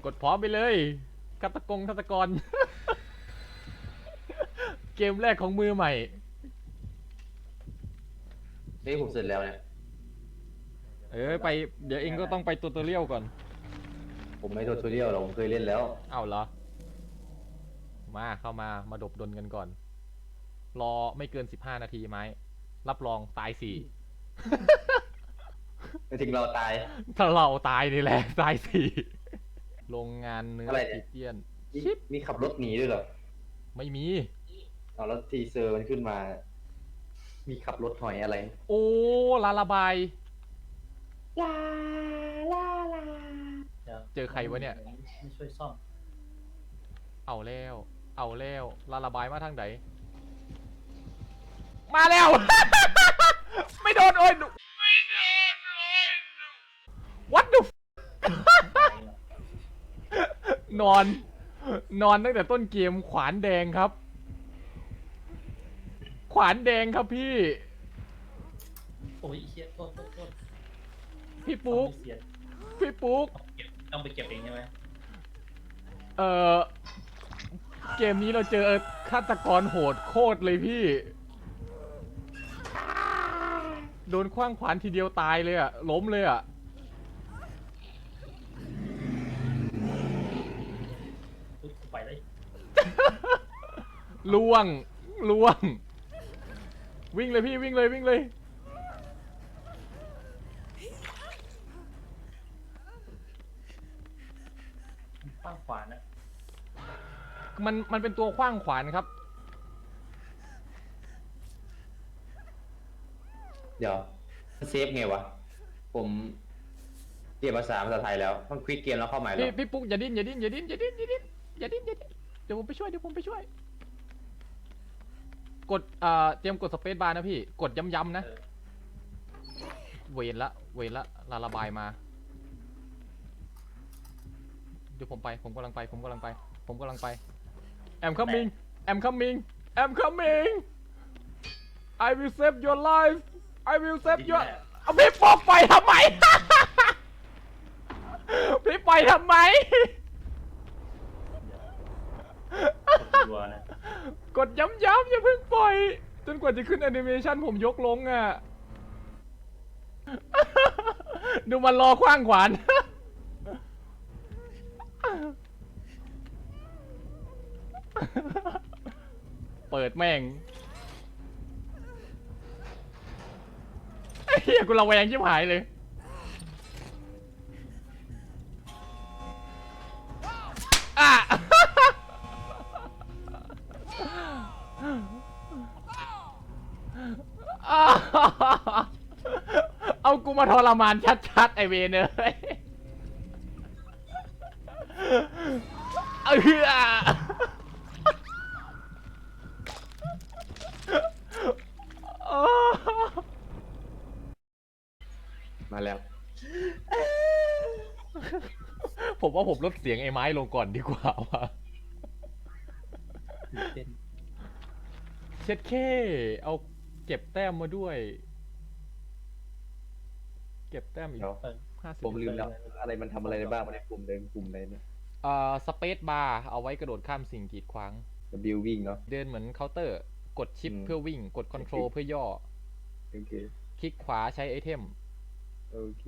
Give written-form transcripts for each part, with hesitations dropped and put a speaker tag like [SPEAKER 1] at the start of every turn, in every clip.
[SPEAKER 1] ดพร้อมไปเลยฆาตกร เกมแรกของมือใหม่
[SPEAKER 2] นี่ผมเสร็จแล้วเนี่ย
[SPEAKER 1] ไปเดี๋ยวเองก็ต้องไปตัวตัวเลี้ยวก่อน
[SPEAKER 2] ผมไม่โทรทูเรียลหรอกผมเคยเล่นแล้ว
[SPEAKER 1] เอ้าเหรอเข้ามาดบดนกันก่อน รอไม่เกิน15 นาทีไหมรับรองตาย4
[SPEAKER 2] ไม่ถึงเราตาย
[SPEAKER 1] ถ้าเราตายนี่แหละตาย4 โรงงานเนื้อ
[SPEAKER 2] อะไรเนี่ย
[SPEAKER 1] ติเตียน
[SPEAKER 2] มีขับรถหนีด้วยเหรอ
[SPEAKER 1] ไม่มี
[SPEAKER 2] เอาแล้วทีเซอร์มันขึ้นมา มีขับรถหอยอะไร
[SPEAKER 1] โอ้ลาลาบาย
[SPEAKER 2] ลาลาลา
[SPEAKER 1] เจอใครวะเนี่ย
[SPEAKER 3] ไม่ช่วยซ่อม
[SPEAKER 1] เอาแล้วลาลาบายมาทางไหนมาแล้ว ไม่โดนโอ้ยวัดดู นอนตั้งแต่ต้นเกมขวานแดงครับ ขวานแดงครับพี่
[SPEAKER 3] โอ้ยเฮียโทษ
[SPEAKER 1] พี่ปุ๊ก
[SPEAKER 3] เสีย
[SPEAKER 1] พี่ปุ๊ก
[SPEAKER 3] ต้องไปเก็บเองใช่ไหม
[SPEAKER 1] เออเกมนี้เราเจอฆาตกรโหดโคตรเลยพี่ โดนขว้างขวานทีเดียวตายเลยอะล้มเลยอะ
[SPEAKER 3] ปุ๊บไปเลย
[SPEAKER 1] ล่วง วิ่งเลยพี่วิ่งเลย
[SPEAKER 3] ข้างขวานะ
[SPEAKER 1] มันเป็นตัวขว้างขวานครับ
[SPEAKER 2] เดี๋ยวเซฟไงวะ ผมเรียนภาษาไทยแล้วต้องควิกเกมแล้วเข้าใหม่หรอ
[SPEAKER 1] พี่ปุ๊กอย่าดิ้นเดี๋ยวผมไปช่วยกดเตรียมกดสเปซบาร์นะพี่กดย้ำๆนะเวนละลาระบายมาเดี๋ยวผมกำลังไปI'm coming I will save your life I will save your เอาพี่ปอกไปทำไม พี่ปล่อยทำไม
[SPEAKER 3] ตัวนะ
[SPEAKER 1] กดย้ำอย่าเพิ่งปล่อย จนกว่าจะขึ้นแอนิเมชันผมยกลงอ่ะ ดูมันรอขว้างขวาน เปิดแม่งไอ้เหี้ยกูระแวงชิบหายเลย อ่ะ เอากูมาทรมานชัดๆไอเวนเลย
[SPEAKER 2] มาแล้ว
[SPEAKER 1] ผมว่าผมลดเสียงไอ้ไม้ลงก่อนดีกว่าว่ะ
[SPEAKER 3] เต้น
[SPEAKER 1] เช็ดแค่เอาเก็บแต้มมาด้วย เก็บแต้มอีก
[SPEAKER 2] เดี๋ยว
[SPEAKER 1] 50
[SPEAKER 2] ผมลืมแล้ว อะไรมันทำอะไรได้บ้างในกลุ่มเดินกลุ่มใดเนี่ย
[SPEAKER 1] สเปซบาร์เอาไว้กระโดดข้ามสิ่งกีดขวาง
[SPEAKER 2] บิววิ่งเนาะ
[SPEAKER 1] เดินเหมือนเคาน์เตอร์ กดชิป
[SPEAKER 2] อืม
[SPEAKER 1] เพื่อวิ่ง กดคอนโทรล
[SPEAKER 2] โอเค
[SPEAKER 1] เพื่อย่อ
[SPEAKER 2] โอเค
[SPEAKER 1] คลิกขวาใช้ไอเทม
[SPEAKER 2] โอเค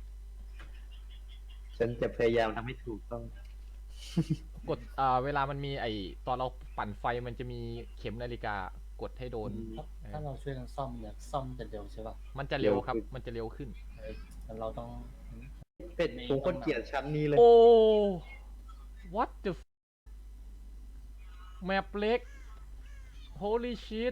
[SPEAKER 2] ฉันจะพยายามทำให้ถูกต้อง
[SPEAKER 1] กดเวลามันมีตอนเราปั่นไฟมันจะมีเข็มนาฬิกากดให้โดน
[SPEAKER 3] ถ้าเราช่วยกันซ่อมเนี่ยซ่อมจะเร็วใช่ป่ะ
[SPEAKER 1] มันจะเร็วครับ
[SPEAKER 2] เร็วขึ้น
[SPEAKER 1] มันจะเร็วขึ้น
[SPEAKER 3] แต่เราต้อง
[SPEAKER 2] เป็ดผมคนเกลียดชั้นนี้เลย
[SPEAKER 1] โอ้ what the แมปเล็ก holy shit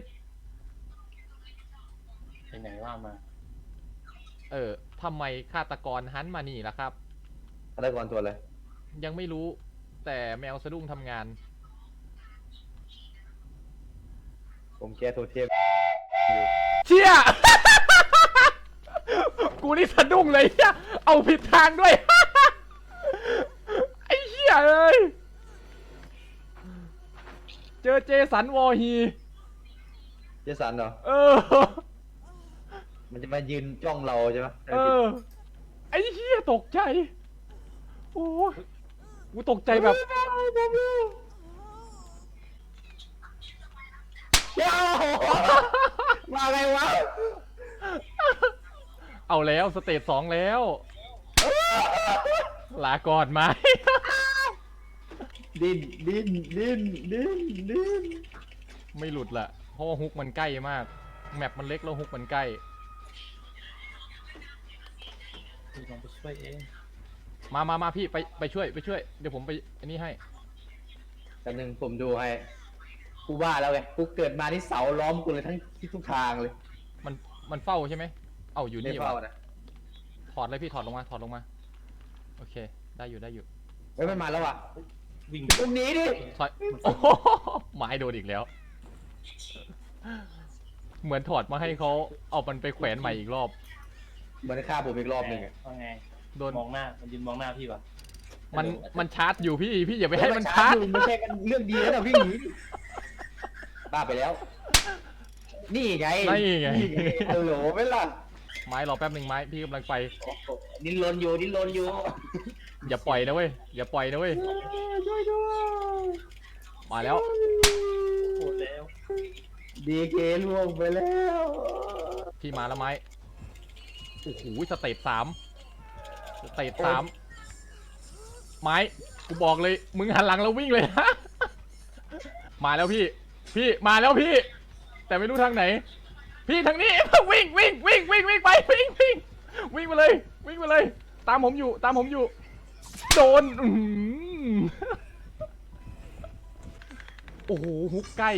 [SPEAKER 3] ไปไหนว่ามา
[SPEAKER 1] ทำไมฆาตกรหันมานี่ล่ะครับ
[SPEAKER 2] ฆาตกรตัวอะไร
[SPEAKER 1] ยังไม่รู้ แต่แมวสะดุ้งทำงาน
[SPEAKER 2] ผมแก้โทเทม
[SPEAKER 1] เชี่ย กูนี่สะดุ้งเลยเหี้ยเอาผิดทางด้วย ไอ้เหี้ยเอ้ย เจอเจสันวอร์ฮี
[SPEAKER 2] เจสันเหรอ
[SPEAKER 1] เออ
[SPEAKER 2] มันจะมายืนจ้องเราใช่ไหม
[SPEAKER 1] ไอ้เหี้ยตกใจ โอ้ยกูตกใจแบบ
[SPEAKER 2] เดี๋ยวมาไงวะ
[SPEAKER 1] เอาแล้วสเตจ2แล้ว ลาก่อนไหม
[SPEAKER 2] ดิ้นดิ้นดิ้นดิ้นดิ้น
[SPEAKER 1] ไม่หลุดละเพราะว่าฮุกมันใกล้มาก แมปมันเล็กแล้วฮุกมันใกล้
[SPEAKER 3] กูลองไปช่วยเอง
[SPEAKER 1] มาพี่ไปช่วย เดี๋ยวผมไปอันนี้ให้
[SPEAKER 2] แต่หนึ่งผมดูให้กูว่าแล้วไงกูเกิดมาที่เสาล้อมกูเลยทั้งที่ทุกทางเลย
[SPEAKER 1] มันเฝ้าใช่ไหม เอ้าอยู่
[SPEAKER 2] ไม่
[SPEAKER 1] นี่
[SPEAKER 2] เฝ้าว
[SPEAKER 1] ะ
[SPEAKER 2] นะ
[SPEAKER 1] ถอดเลยพี่ถอดลงมา โอเค ได้อยู่
[SPEAKER 2] เฮ้ยมันมาแล้วว่ะ
[SPEAKER 3] วิ่ง
[SPEAKER 2] ตรงนี้ดิ
[SPEAKER 1] ถอยโอ้โหไม้โดนอีกแล้ว เหมือนถอดมาให้เขาเอามันไปแขวนใหม่อีกรอบ
[SPEAKER 2] มันฆ่าผมอีกรอบหนึ่งอะ
[SPEAKER 3] ว่าไง
[SPEAKER 1] โดน
[SPEAKER 3] มองหน้ามันยืนมองหน้าพี่ปะ
[SPEAKER 1] มันชาร์จอยู่พี่อย่าไปให้มันชาร์จ
[SPEAKER 2] ไม่ใช่กันเรื่องดีแล้วนะวิ่งหนีบ้าไปแล้ว นี่ไง
[SPEAKER 1] นี่ไง
[SPEAKER 2] ฮัลโหลไม่ล่ะ
[SPEAKER 1] ไม้รอแป๊บหนึ่งไม้พี่กำลังไป
[SPEAKER 2] โอ้โหดิ้นรนอยู่ดิ้นรนอยู่
[SPEAKER 1] อย่าปล่อยนะเว้ย
[SPEAKER 2] ช่วยด้วย
[SPEAKER 1] มาแล้ว
[SPEAKER 3] โหดแล้ว
[SPEAKER 2] ดีเคล่วงไปแล้ว
[SPEAKER 1] พี่มาแล้วไม้ โอ้โหสเตจ3 ไม้ กูบอกเลย มึงหันหลังแล้ววิ่งเลยนะ มาแล้วพี่มาแล้วพี่ แต่ไม่รู้ทางไหน พี่ทางนี้ วิ่งไปวิ่งไปเลย ตามผมอยู่ โดนโอ้โหฮุกใกล้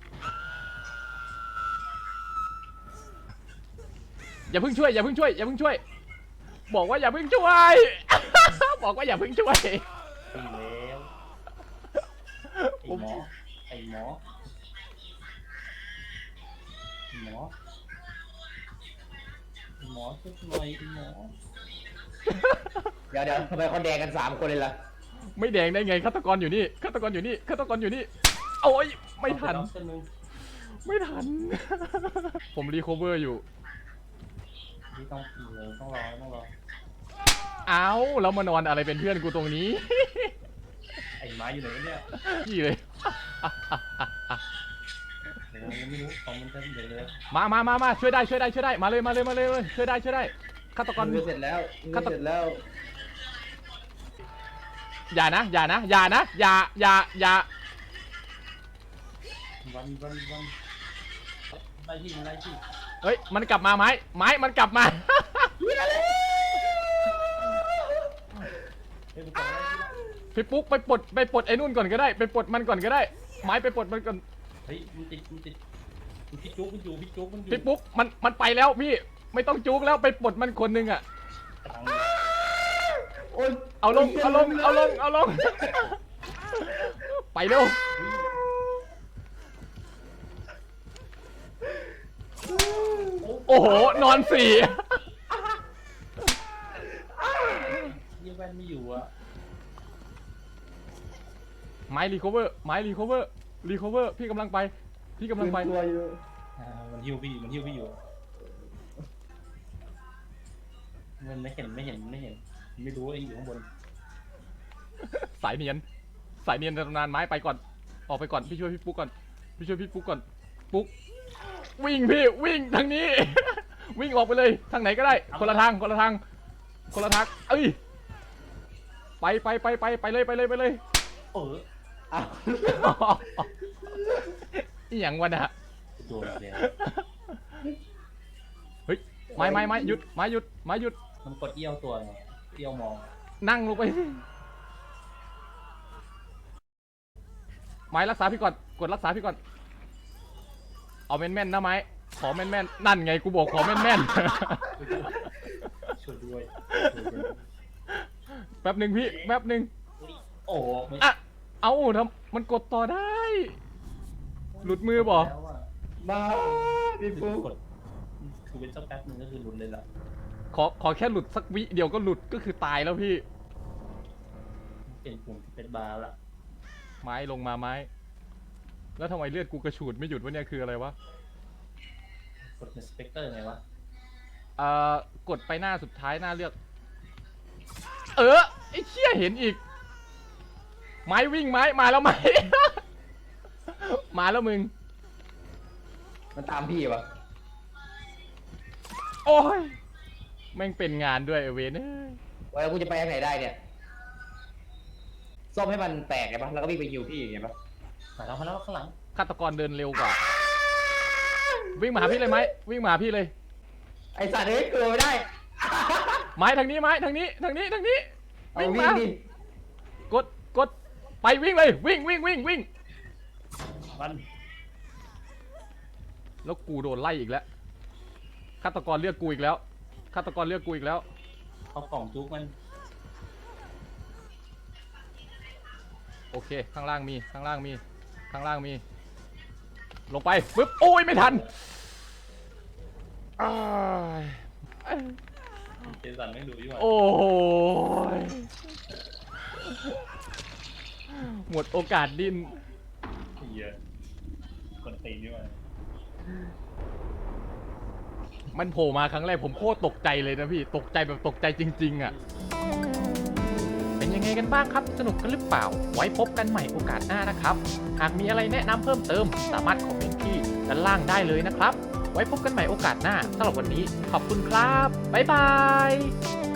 [SPEAKER 1] อย่าเพิ่งช่วย บอกว่าอย่าเพิ่งช่วย บอกว่าอย่าเพิ่งช่วย
[SPEAKER 3] วิ่งแล้วไอ้หมอช่วยหน่อยไอ้หมอ
[SPEAKER 2] เดี๋ยวทำไมเขาแดงกัน3 คนเลยล่ะ
[SPEAKER 1] ไม่แดงได้ไงฆาตกรอยู่นี่โอ้ยไม่ทัน
[SPEAKER 3] เอาตัวนึง
[SPEAKER 1] ผมรีโคเวอร์อยู่
[SPEAKER 3] นี่ต้องเลยต้องรอ
[SPEAKER 1] เอาแล้วมานอนอะไรเป็นเพื่อนกูตรงนี้
[SPEAKER 3] ไอ้ไม้อยู่ไหนวะเนี่ย
[SPEAKER 1] พี่เลย
[SPEAKER 3] เดี๋ยวยังไม่รู้ของมันจะเดี๋ยวเลย
[SPEAKER 1] มาช่วยได้มาเลยช่วยได้ฆาตกร
[SPEAKER 2] มือเสร็จแล้วมือเสร็จแล้ว
[SPEAKER 1] อย่านะอย่า
[SPEAKER 3] วันไล่ที่
[SPEAKER 1] เฮ้ยมันกลับมาไม้มันกลับมา
[SPEAKER 3] เฮ้ยมันก่อนไล่ที่ละ
[SPEAKER 1] พี่ปุ๊กไปปลดไอ้นู่นก่อนก็ได้ไปปลดมันก่อนก็ได้ ไม้ไปปลดมันก่อน
[SPEAKER 3] เฮ้ยมันติดพี่จุ๊กมันอยู่
[SPEAKER 1] พี่ปุ๊กมันไปแล้วพี่ไม่ต้องจุกแล้วไปปลดมันคนหนึงอ่ะ
[SPEAKER 3] ทาง
[SPEAKER 2] โอ๊ย
[SPEAKER 1] เอาลงไปเร็วโอ้โหนอน4
[SPEAKER 3] ยี่แว่นไม่อยู่อ่ะ
[SPEAKER 1] ไม้รีคอเวอร์พี่กำลังไป
[SPEAKER 2] ตัวอยู่
[SPEAKER 3] มันหิ้วพี่อยู่มันไม่เห็นไม่รู้ไอ้อยู่ข้างบน
[SPEAKER 1] สายเนียนในตำนานไม้ไปก่อนออกไปก่อนพี่ช่วยพี่ปุ๊กก่อนปุ๊กวิ่งทางนี้ วิ่งออกไปเลยทางไหนก็ได้คนละทางเอ้ยไปเลย
[SPEAKER 3] เออ
[SPEAKER 2] อ้าว
[SPEAKER 1] อีหยังวะน่ะ
[SPEAKER 3] โดนแล้ว
[SPEAKER 1] เฮ้ยไม้หยุด
[SPEAKER 3] มันกดเอี้ยวตัวไงเอี้ยวมอง
[SPEAKER 1] นั่งลงไปไม้รักษาพี่ก่อนกดรักษาพี่ก่อนเอาแม่นๆนะไม้ขอแม่นๆนั่นไงกูบอกขอแม่น
[SPEAKER 3] ช่วยด้วย
[SPEAKER 1] ๆ แป๊บหนึ่งพี่แป๊บหนึ่ง
[SPEAKER 3] โอ้ไม่
[SPEAKER 1] อ่ะเอาทำมันกดต่อได้ หลุดมือบ่
[SPEAKER 3] แล้วอะ
[SPEAKER 2] มาพี่
[SPEAKER 3] คือ
[SPEAKER 2] ปุ๊ก
[SPEAKER 3] กดคือเป็นสักแป๊บนึงก็คือหลุดเลยล่ะ
[SPEAKER 1] ขอแค่หลุดสักวิเดียวก็หลุดก็คือตายแล้วพี่
[SPEAKER 3] เป็นปุ่มเป็นบาร์ละ
[SPEAKER 1] ไม้ลงมาไม้ แล้วทำไมเลือดกูกระฉูดไม่หยุดวะเนี่ยคืออะไรวะ
[SPEAKER 3] กดเป็นสเปกเตอร์ไงวะ
[SPEAKER 1] กดไปหน้าสุดท้ายหน้าเลือก ไอ้เชี่ยเห็นอีกไม้วิ่งไม้มาแล้วไม้ มาแล้วมึง
[SPEAKER 2] มันตามพี่วะ
[SPEAKER 1] โอ้ยแม่งเป็นงานด้วยไอ้เวนเอ้ย
[SPEAKER 2] ว่าแล้วกูจะไปทางไหนได้เนี่ยซ่อมให้มันแตกไงปะแล้วก็วิ่งไปฮิวพี่ไงปะ
[SPEAKER 3] มาแล้วข้างหลัง
[SPEAKER 1] ฆาตกรเดินเร็วกว่า วิ่งมาหาพี่เลยไหมวิ่งมาหาพี่เลย
[SPEAKER 2] ไอสัตว์เอ้ยเกิดไม่ได้
[SPEAKER 1] ไม้ทางนี้ไม้ทางนี้ทางนี้ทางนี้
[SPEAKER 2] เอา
[SPEAKER 1] วิ่ง
[SPEAKER 2] วิ่
[SPEAKER 1] มาง
[SPEAKER 2] ดิ
[SPEAKER 1] กดไปวิ่งเลยวิ่งวิ่ง
[SPEAKER 3] มัน
[SPEAKER 1] แล้วกูโดนไล่อีกแล้วฆาตกรเลือกกูอีกแล้วฆาตกรเลือกกูอีกแล้ว
[SPEAKER 3] เอากล่องจุกมัน
[SPEAKER 1] โอเคข้างล่างมีข้างล่างมีข้างล่างมี ลงไปปึ๊บโอ้ยไม่ทันอ้าย
[SPEAKER 3] เจสันไม่ดูอยู่อ่ะ
[SPEAKER 1] โอ้ยหมดโอกาสดิ้น
[SPEAKER 3] เหี้ยคนตีนอยู่อ่ะ
[SPEAKER 1] มันโผล่มาครั้งแรกผมโคตรตกใจเลยนะพี่ตกใจแบบตกใจจริงๆอ่ะเป็นยังไงกันบ้างครับสนุกกันหรือเปล่าไว้พบกันใหม่โอกาสหน้านะครับหากมีอะไรแนะนำเพิ่มเติมสามารถคอมเมนต์ที่ด้านล่างได้เลยนะครับไว้พบกันใหม่โอกาสหน้าสำหรับวันนี้ขอบคุณครับบ๊ายบาย